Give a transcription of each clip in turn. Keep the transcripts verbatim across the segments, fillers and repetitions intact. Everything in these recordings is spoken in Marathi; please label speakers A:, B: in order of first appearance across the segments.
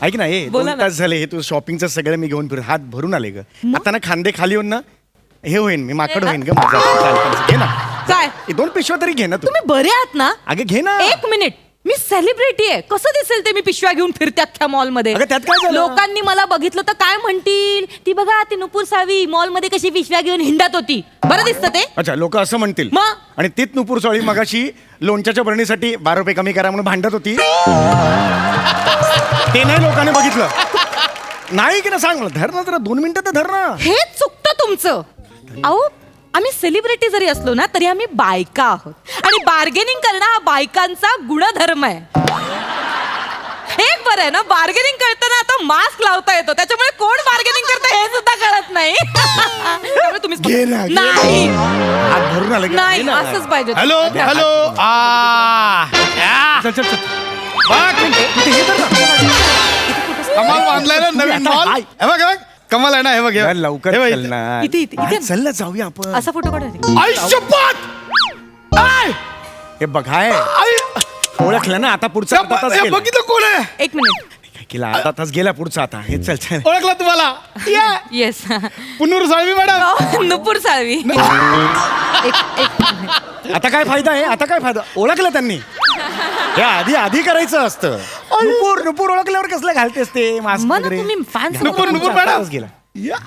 A: ऐक ना हे
B: बोला
A: दोन
B: ना.
A: तास झाले हे तू शॉपिंगचं सगळं मी घेऊन फिर हात भरून आले ग आता ना खांदे खाली होऊन ना हे होईन मी माकड होईन ग माझा चालतं. घे ना
B: काय
A: हे दोन पिशव्या तरी घे ना तू
B: तुम्ही बरे आहात ना?
A: अगं घे ना
B: एक मिनिट, मी सेलिब्रिटी आहे, कसं दिसेल ते मी पिशव्या घेऊन फिरते अख्ख्या मॉल मध्ये?
A: अगं, त्यात काय झालं?
B: लोकांनी मला बघितलं तर काय म्हणतील? ती बघा ती नुपूर सावी मॉल मध्ये कशी पिशव्या घेऊन हिंडत होती. बरं दिसतं ते?
A: अच्छा लोक असं म्हणतील
B: मग?
A: आणि तीच नुपूर सोळी मगाशी लोणच्याच्या बरणीसाठी बारा रुपये कमी करा म्हणून भांडत होती ते नाही लोकांनी बघितलं नाही की ना सांग मला धर ना जरा दोन मिनिटं तर धर ना
B: हेच चुकतं तुमचं. अहो आम्ही सेलिब्रिटी जरी असलो ना तरी आम्ही बायका आहोत आणि बार्गेनिंग करणं हा बायकांचा गुणधर्म आहे. एक बरं आहे ना, बार्गेनिंग करताना आता मास्क लावता येतो, त्याच्यामुळे कोण बार्गेनिंग करतं हे सुद्धा कळत नाही. त्यामुळे तुम्हीच
A: घे ना, घे ना.
B: नाही
A: हात भरून आले का?
B: नाही
A: घे ना.
B: असंच पाहिजे.
C: हॅलो हॅलो आ या.
A: चल चल चल
C: बघ,
A: इथे हे धर ना.
C: कमाल बांधलाय ना नवीन
A: आता
C: मॉल.
A: हाय.
C: हे बघ हे बघ कमाल आहे ना हे बघ हे
A: यार,
C: बघ.
A: लवकर
C: हे बघ
A: चल
C: इथे.
A: ना
B: इथे, इथे, इथे.
A: हा, चल ना जाऊया आपण
B: असा फोटो काढा.
C: आई शपथ आय
A: हे बघ हाय
C: आई
A: ओळखलं ना आता पुढचा अर्धा तास
C: हे
A: गेला.
C: बघितलं कोण आहे
B: एक मिनिट.
A: काय केला अर्धा तास गेला पुढचा आता हे चल चल
C: ओळखला तुम्हाला या
B: येस.
C: पुनूर साळवी मॅडम
B: नुपूर साळवी. एक एक मिनिट.
A: आता काय फायदा आहे आता काय फायदा ओळखलं त्यांनी हे आधी आधी करायचं असतं नुपूर नुपूर ओळखल्यावर कसलं घालतेस ते मास्क
B: मग
A: वगैरे
B: तुम्ही fans
C: नुपूर, नुपूर
A: अर्धा
C: मॅडम.
A: तास गेला
C: या.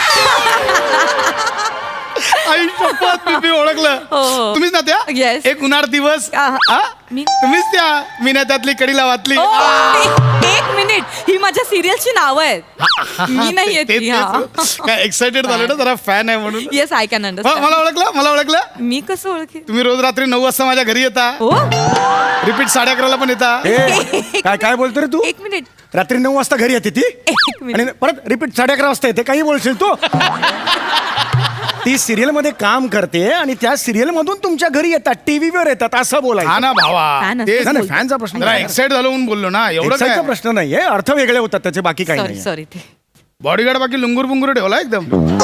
C: आई शपथ मी मी ओळखलं
B: हो, हो.
C: तुम्हीच ना त्या
B: Yes.
C: एक उन्हाळ दिवस
B: आहा.
C: हा?
B: मी-
C: तुम्हीच त्या मीना त्यातली कडी लावातली
B: ओ, एक- एक मिनिट, ही माझ्या सिरियलची नावं आहेत. मी नाही येत
C: ते-
B: ती,
C: तेच.
B: हा.
C: काय एक्साइटेड झालं ना जरा फॅन आहे म्हणून
B: येस आय कॅन
C: हा,
B: अंडरस्टँड.
C: मला ओळखलं मला ओळखलं
B: मी कसं ओळखे?
C: तुम्ही रोज रात्री नऊ वाजता माझ्या घरी येता
B: हो
C: रिपीट साडे अकराला पण येता
A: ए, काय काय बोलतो रे तू
B: एक मिनिट.
A: रात्री नऊ वाजता घरी येते ती
B: एक मिनिट.
A: आणि परत रिपीट साडे अकरा वाजता येते काही बोलशील तू ती सिरियल मध्ये काम करते आणि त्या सिरियल मधून तुमच्या घरी येतात टीव्हीवर येतात असं
C: हा
A: बोलायचं
C: ना भावा
B: Fan
C: ते
B: असतं.
A: नाही, फॅनचा प्रश्न
C: जरा
A: नाही.
C: एक्साइट झालो म्हणून बोललो ना एवढं
A: Exciteचा
C: काय
A: प्रश्न नाहीये अर्थ वेगळे होतात त्याचे बाकी काही
B: सॉरी
A: नाही
B: सॉरी ते
C: बॉडीगार्ड बाकी लुंगूर बुंगूर ठेवला एकदम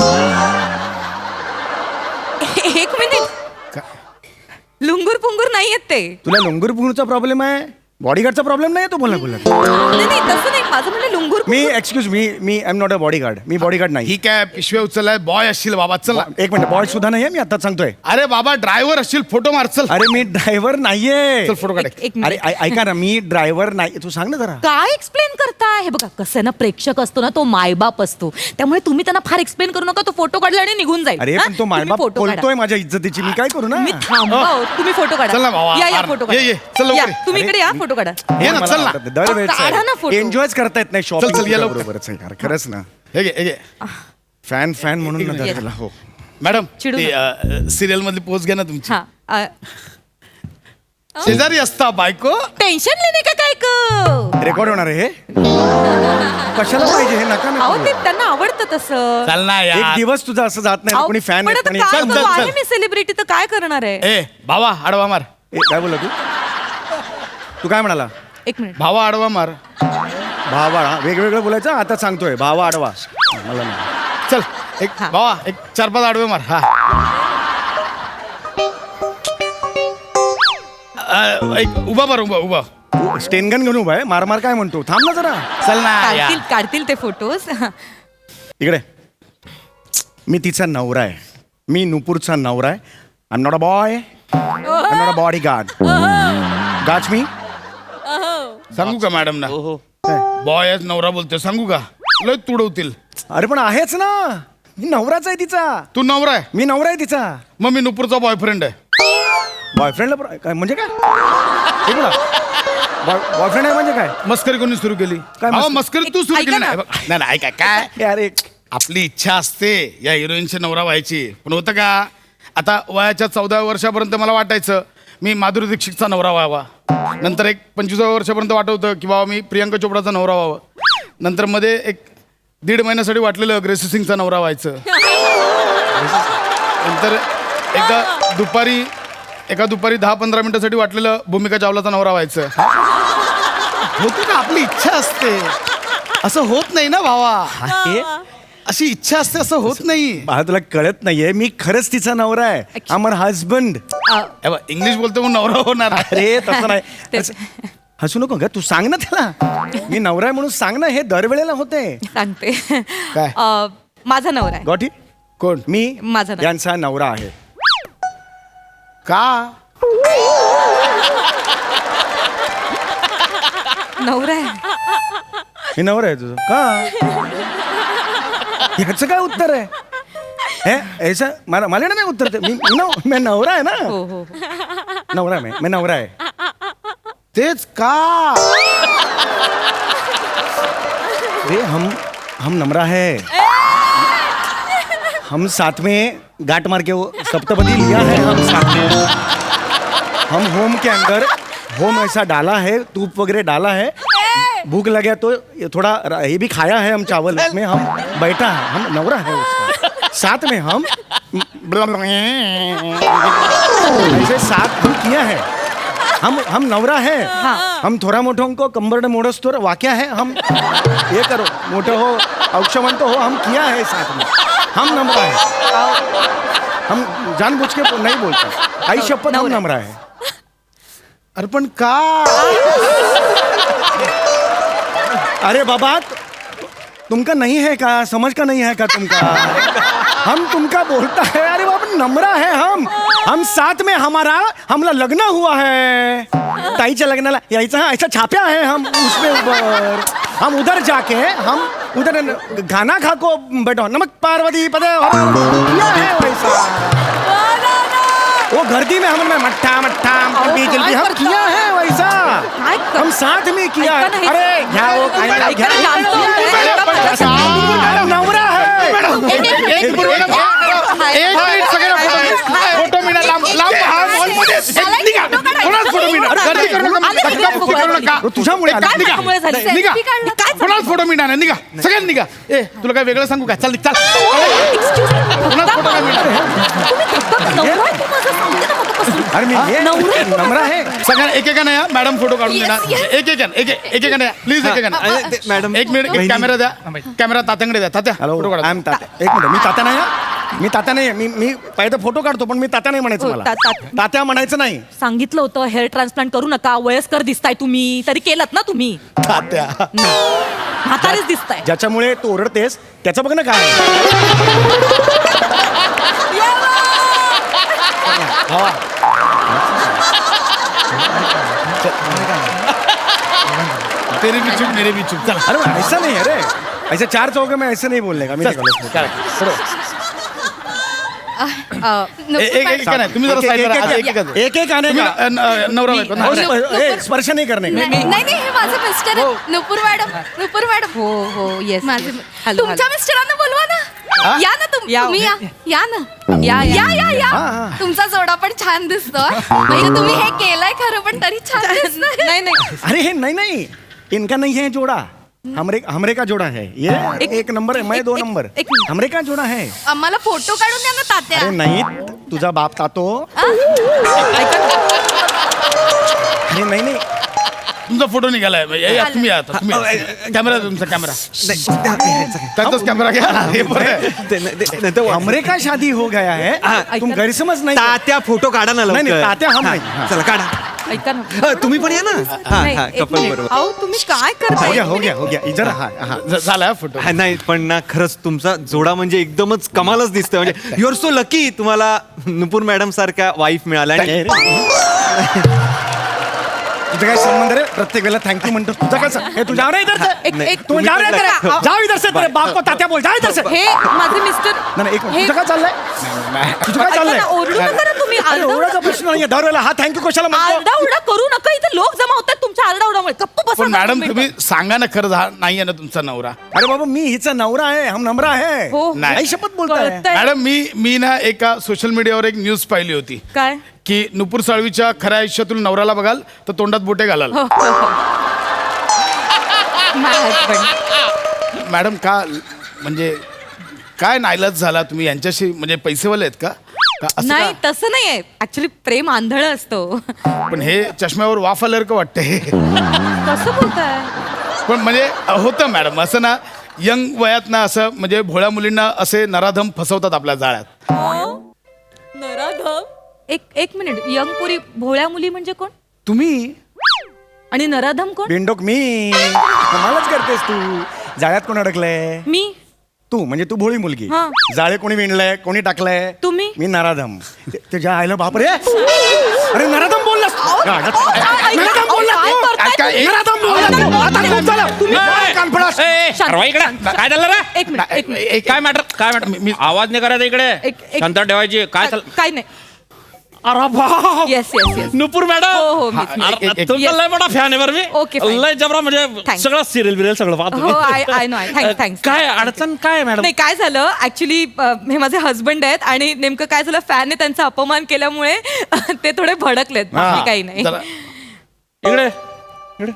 B: एक मिनिट. लुंगूर पुंगूर नाही येत ते.
A: तुला लुंगूर पुंगूरचा प्रॉब्लेम आहे बॉडीगार्डचा प्रॉब्लेम नाही तू बोला बोला
B: नाही नाही तसं नाही, माझं म्हणलं लुंगूर
A: मी एक्सक्यूज मी मी I am not a bodyguard मी बॉडीगार्ड नाही
C: ही काय पिशव्या उचललाय बॉय असशील बाबा चल ना.
A: एक मिनिट बॉय सुद्धा नाहीये मी आता सांगतोय
C: अरे बाबा ड्रायव्हर असशील फोटो मार चल
A: अरे मी ड्रायव्हर नाहीये
C: चल फोटो काढ
B: एक- एक
A: अरे
B: मिनिट.
A: ऐ- ऐका ना मी ड्रायव्हर नाही तू सांग ना जरा
B: काय एक्सप्लेन करताय? हे बघा कसं आहे ना, प्रेक्षक असतो ना तो मायबाप असतो, त्यामुळे तुम्ही त्यांना फार एक्सप्लेन करू नका. तो फोटो काढला आणि निघून जाईल.
A: अरे
B: हा?
A: पण तो
B: तुम्ही
A: मायबाप
B: photo काढा.
A: बोलतोय माझ्या इज्जतीची मी काय करू ना
B: मी थांबा हो. तुम्ही फोटो काढा.
C: चल ना भावा,
B: या या
C: आर-
B: फोटो
C: ये, ये. चल लवकर
B: या,
C: ये.
B: तुम्ही
A: अरे.
B: इकडे या फोटो काढा.
C: ये ना चल ना
B: काढा ना photo.
A: एन्जॉयच करता येत नाही
C: चल, चल, ये
A: शॉपिंग
C: लवकर.
A: बरोबरच आहे यार खरंच ना
C: हे घे हे घे
A: फॅन फॅन म्हणून ना
B: ये.
A: त्याला हो
C: मॅडम
B: चिडू
C: सिरियल मधली पोच घ्या ना तुमची
B: हा अ,
C: शेजारी असता बायको
B: टेन्शन लेणे का काय क
A: रेकॉर्ड होणार आहे हे कशाला पाहिजे हे नका ना
B: अहो
A: करू.
B: ते त्यांना आवडतं तसं.
C: चल ना
A: एक
C: यार
A: दिवस तुझा असं जात नाही
B: अहो,
A: कोणी फॅन
B: पण आता
A: आणि
B: काय
C: चल,
B: करू?
C: चल,
B: आहे
C: चल.
B: मी सेलिब्रिटी तर काय करणार आहे?
C: ए भावा आडवा मार
A: ए, काय बोला तू तू काय म्हणाला
B: एक मिनिट.
C: भावा आडवा मार
A: भावा वेगवेगळं बोलायचं आता सांगतोय भावा आडवा मला नाही
C: चल एक
B: हा.
C: भावा एक चार पाच आडवे मार हा अ, एक उभा मार उभा उभा
A: तू स्टेनगन घेऊन उभा आहे मार मार काय म्हणतो थांब ना जरा
C: चल ना
B: काढतील
C: यार.
B: काढतील ते फोटोज.
A: इकडे मी तिचा नवरा आहे मी नुपूरचा नवरा आहे I am not a boy I am not a bodyguard गाच मी
C: सांगू का मॅडम ना बॉय नवरा बोलतोय सांगू का लय तुडवतील
A: अरे पण आहेच ना मी नवराच आहे तिचा
C: तू नवरा आहे
A: मी नवरा आहे तिचा
C: मग मी नुपूरचा बॉयफ्रेंड आहे
A: बॉयफ्रेंडला काय म्हणजे काय बॉयफ्रेंड आहे म्हणजे काय
C: मस्करी कोणी सुरू केली
A: काय
C: अहो,
A: मस्करी?
C: मस्करी तू सुरू
B: ऐका
C: केली
B: ना.
C: नाही बघ, नाही नाही, ऐका काय
A: अरे
C: आपली इच्छा असते या हिरोईनची नवरा व्हायची पण होतं का आता वयाच्या चौदाव्या वर्षापर्यंत मला वाटायचं मी माधुरी दीक्षितचा नवरा व्हावा नंतर एक पंचवीसाव्या वर्षापर्यंत वाटत होतं की बाबा मी प्रियंका चोपडाचा नवरा व्हावा नंतर मध्ये एक दीड महिन्यासाठी वाटलेलं ग्रेसी सिंगचा नवरा व्हायचं नंतर एका दुपारी एका दुपारी दहा पंधरा मिनिटासाठी वाटलेलं भूमिका चावलाचा नवरा व्हायचं होतं का आपली इच्छा असते असं होत नाही ना भावा
A: हे
C: अशी इच्छा असते असं होत नाही
A: मला तुला कळत नाहीये मी खरंच तिचा नवरा आहे अमर हजबंड
B: अ,
C: इंग्लिश बोलतो मग नवरा होणार
A: अरे तसं नाही
B: ते-
A: असं- हसू नको ग, तू सांग ना त्याला मी नवरा आहे म्हणून सांग ना, हे दरवेळेला होते.
B: सांगते
C: काय?
B: अ, माझा नवरा आहे.
A: गॉटी
C: कोण?
A: मी
B: माझा नवरा.
A: यांचा नवरा आहे.
C: का?
B: नवरा आहे.
A: मी नवरा आहे तुझं का? ह्याचं काय उत्तर आहे? हे ऐसा मला मला नाही उत्तर ते. मी मी नव- मी नवरा आहे ना.
B: हो हो हो.
A: नवरा आहे मी मी नवरा आहे.
C: तेच का?
A: अरे हम हम नमरा है. हम साथ में गांठ मार के वो सप्तपदी लिया है हम साथ में. हम होम के अंदर होम ऐसा डाला है, तूप वगैरह डाला है. भूख लगे तो ये थोड़ा र- ये भी खाया है हम चावल में. हम बैठा है, हम नवरा है उसका. साथ में हम ऐसे साथ हम किया है. हम हम नवरा है. हम थोड़ा मोठों को कंबर मोड़स तो वाक्या है. हम ये करो मोठं हो औक्षवंत हो, हम किया है साथ में. हम नमरा है. हम जानबूझ के नहीं बोलते. आई शपथ हम
B: नवरा.
A: नमरा है.
C: अरे पण का?
A: अरे बाबा तुमका नहीं है का, समझ का नहीं है का तुमका? हम तुमका बोलता है. अरे बाबा नमरा है हम. हम साथ में हमारा हमला लग्न हुआ है. ताईच्या लग्नाला यायचं हा, ऐसा छाप्या है हम उसमें ऊपर. हम उधर जाके हम उधर गाना खा को बैठो. नमक पार्वती पदे किया है वैसा. वो गर्दी में हमने मट्ठा मट्ठा जल्दी जल्दी हम किया है वैसा.
B: काय कर-
A: हम साथ में किया
B: ऐका ना
A: है.
B: हे-
A: अरे घ्या वो
B: ऐका
A: घ्या,
B: ना,
A: घ्या.
B: जानतो मी.
A: हम नवरा है.
B: एक- एक- एक-
C: एक मिनिट, एक मिनिट सगळ्यांना फोटो फोटो मिळा लांब लांब हा हॉलमध्ये निघा. कोणाच फोटो मिळा. गर्दी करू नका.
B: आले,
C: धक्का
B: आले,
C: बुक्की करू नका.
A: तुझ्यामुळे आलं.
B: काय
C: निघा.
B: त्यामुळे झालं?
C: निघा.
B: Selfie काढला. काय झालं?
C: कोणाच फोटो मिळणार नाही. निघा सगळ्यांनी निघा. ए तुला काय वेगळं सांगू का? चल निघ, चल.
B: Excuse me.
C: कोणाच फोटो नाही मिळणार.
B: तुम्ही धक्का- नवरा आहे तू माझा, सांगते ना मगापासून.
A: अरे मी ये
B: नवरा आहे तू
A: नमरा
B: माझा.
A: है.
C: सगळ्यांना एकेकाने या मॅडम फोटो काढून
B: Yes,
C: देणार.
B: yes.
C: एक एक एक एक एकेकाने या प्लीज एकेकाने.
D: अरे, ते- मॅडम
C: एक मिनिट एक कॅमेरा द्या. कॅमेरा तात्याकडे द्या. तात्या
A: हॅलो
C: फोटो काढा.
A: I am Tatya. एक मिनिट मी तात्या नाही आहे. मी तात्या नाही आहे. मी मी पहिलं फोटो काढतो पण मी तात्या नाही म्हणायचं
B: हो,
A: मला.
B: ता- ता-
A: तात्या म्हणायचं नाही.
B: सांगितलं होतं हेअर ट्रान्सप्लांट करू नका, वयस्कर दिसताय तुम्ही, तरी केलत ना तुम्ही.
C: तात्या
B: म्हातारीच दिसताय.
A: ज्याच्यामुळे तू ओरडतेस त्याचं बघ ना काय आहे. हवा.
C: तेरे भी चुप मेरे भी चुप. चल
A: अरे बा, ऐसा नहीं है रे. ऐसे चार चौके में ऐसे नहीं बोलने का. मी नाही बोलत.
C: काय एक एक एक नाही तुम्ही जरा
A: एक-
C: साईड
A: एक-
C: करा.
A: एक-
C: एक एक
A: एक एक आने
C: तुम्ही,
A: का.
C: अ, न- नवरा बायको ना.
A: हो, ए, स्पर्श नहीं करने का.
E: नाही नाही हे माझे मिस्टर
C: हो.
E: आहेत. नुपूर मॅडम नुपूर मॅडम
B: हो हो येस
E: माझे तुमच्या मिस्टरांना बोलवा ना. या ना तुम
B: या.
E: तुम्ही या या ना
B: या, या.
E: या या या
A: हा, हा.
E: तुमचा जोडा पण छान दिसतो. म्हणजे तुम्ही हे केलंय खरं पण तरी छान दिसतंय.
B: नाही नाही
A: अरे हे नहीं नहीं इनका नहीं है जोड़ा. हमरे हमरे का जोड़ा है ये.
B: एक-
A: एक नंबर है मैं
B: एक-
A: दो
B: एक-
A: नंबर.
B: एक मिनिट.
A: हमरे का जोड़ा है.
E: आम्हाला फोटो काढून द्या ना तात्या.
A: अरे नहीं तुझा बाप तातो.
B: ऐका ना.
A: अरे नहीं नहीं
C: तुमचा फोटो निघालाय. या, या, तुम्ही या आता, तुम्ही या. कॅमेरा तुमचा कॅमेरा त्याचाच कॅमेरा घ्या. हे बरं आहे.
A: हमरे का शादी हो गया है. तुम गैरसमझ नहीं.
D: तात्या फोटो काढा ना
A: नाही,
D: लवकर.
A: नाही, तात्या हम
D: हा,
A: नाही. हा.
D: चला काढा.
B: ऐका ना.
D: हा, तुम्ही पण या ना. हा
B: नाही,
D: हा
B: एक
D: कपल
B: मिनिट.
D: बरोबर.
B: अहो तुम्ही काय
A: हो
B: करताय?
A: गया हो गया हो गया इधर हा हा.
C: झ- झाला फोटो.
D: हा, नाही पण ना खरंच तुमचा जोडा म्हणजे एकदमच कमालच दिसतोय. म्हणजे यु आर सो लकी तुम्हाला नुपूर मॅडम सारख्या वाईफ मिळाल्या. आणि
A: तुझं काय संबंध रे. प्रत्येक वेळेला थँक्यू म्हणतो. तुझं काय सं- हे तू जाओ रे इधर से.
B: एक एक
A: तू जाओ रे इधर से. जाओ इधर से. तेरे बाप को तात्या बोल. जा इधर से.
B: हे माझे मिस्टर.
A: नाही नाही, एक मिनिट.
B: हे-
A: तुझं काय चाललंय. तुझं काय
B: ऐका
A: चाललंय.
B: ना, ओरडू नका ना तुम्ही.
A: अरे
B: आरडा-
A: ओरडाचा प्रश्न नाहीये. दरवेळेला हा थँक्यू कशाला म्हणतो.
B: आरडा उरडा करू नका. इथे लोक जमा होतात तुमच्या आरडा उरडामुळे. गप्प बसा
C: पण
B: ना
C: मॅडम
B: तुम्ही.
C: तुम्ही सांगा ना खरं झा- नाहीये ना तुमचा नवरा.
A: अरे बाबा मी हिचा नवरा आहे. हम नमरा है.
B: हो.
C: नाही.
A: आई शपथ बोलताय.
B: कळतंय.
C: मॅडम मी मी ना एका सोशल मीडियावर एक न्यूज पाहिली होती
B: काय
C: की नुपूर साळवीच्या खऱ्या आयुष्यातून नवऱ्याला बघाल तर तोंडात बोटे घालाल.
B: हो, हो, हो. My husband.
C: मॅडम का म्हणजे काय नाईलाज झाला तुम्ही यांच्याशी. म्हणजे पैसेवाले आहेत का का असं
B: नाही
C: का?
B: तसं नाहीये. ऍक्च्युली प्रेम आंधळ असतो.
C: पण हे चष्म्यावर वाफ आल्यासारखं वाटतंय.
B: कसं बोलताय?
C: पण म्हणजे होतं मॅडम असं ना यंग वयात ना असं म्हणजे भोळ्या मुलींना असे नराधम फसवतात आपल्या जाळ्यात.
B: नराधम. एक एक मिनिट. यंग पुरी भोळ्या मुली म्हणजे कोण?
C: तुम्ही
B: आणि नराधम कोण?
A: बिंडोक मी. कमालच करतेस तू. जाळ्यात कोण अडकलंय?
B: मी.
A: तू म्हणजे तू भोळी मुलगी.
B: हा.
A: जाळे कोणी विणलंय, कोणी टाकलंय?
B: तुम्ही.
A: मी नराधम. ते- तुझ्या आईला बाप रे. अरे नराधम बोललास. नराधम बोललास
B: काय
A: तू.
B: करताय
C: काय-
B: तुम्ही?
A: नराधम बोललास तू. आता खूप झालं. तुम्ही काय कानफडास?
B: शांत.
F: ठरवा इकडे काय झालं रे
B: एक मिनिट एक मिनिट
C: एक-
F: काय मॅटर काय मॅटर आवाज नाही करायचा इकडे
B: एक- एक-
F: शांत ठेवायची काय चाल
B: काय नाही.
F: अरे बाप
B: येस येस येस.
F: नुपूर
B: हो
F: मॅडम
B: हो मीच, मीच.
F: अरे,
C: एक- एक-
F: तुमचा
B: Yes.
F: लय मोठा फॅन आहे बरं मी
B: Okay, fine.
F: लय जबरा म्हणजे
B: Thanks.
F: सगळं सिरियल बिरियल सगळं पाहतो
B: हो, I- I know, I- thanks, thanks.
F: काय अडचण काय मॅडम
B: नाही काय झालं ऍक्च्युली हे माझे हस्बंड आहेत आणि नेमकं काय झालं फॅनने त्यांचा अपमान केल्यामुळे ते थोडे भडकलेत बाकी काही नाही.
C: जरा-
F: इकडे इकडे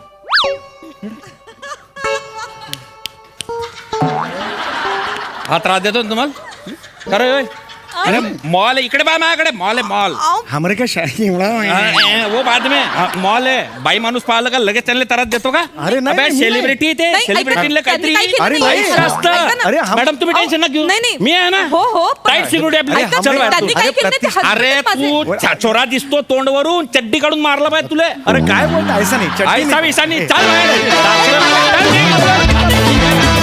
F: हा त्रास देतो ना तुम्हाला अरे होय. अरे मॉल है इकडे बा माझ्याकडे मॉल आहे मॉल
A: हमरे का शाही एवढा
F: वो बाद में मॉल आहे बाई माणूस पाहिलं का लगेच त्यांना त्रास देतो का
A: अरे नाही,
F: अबे,
A: मी
F: सेलिब्रिटी ते
B: नाही,
F: सेलिब्रिटीला
B: ऐका ना,
F: काहीतरी
B: त्यांनी काही
A: अरे
B: केलं
A: नाही,
B: नाही.
F: असतं.
B: ऐका ना.
A: अरे हम-
F: मॅडम तुम्ही
B: अहो,
F: टेन्शन ना घेऊ
B: नाही, नाही.
F: मी आहे ना
B: हो, हो, पण-
F: टाईट सिक्युरिटी आपली
A: अरे,
F: चल बाहेर
B: त्यांनी
F: तू.
B: काय केलं ते
A: प्रत्येक-
B: husband
F: अरे
B: माझे.
F: तू छाछोरा दिसतो तोंडवरून चड्डी काढून मारला पाहिजे तुले
A: अरे काय बोलता ऐसा नाही चटणी
F: ऐसा
A: नाही.
F: विसा नाही चाल बाहेर.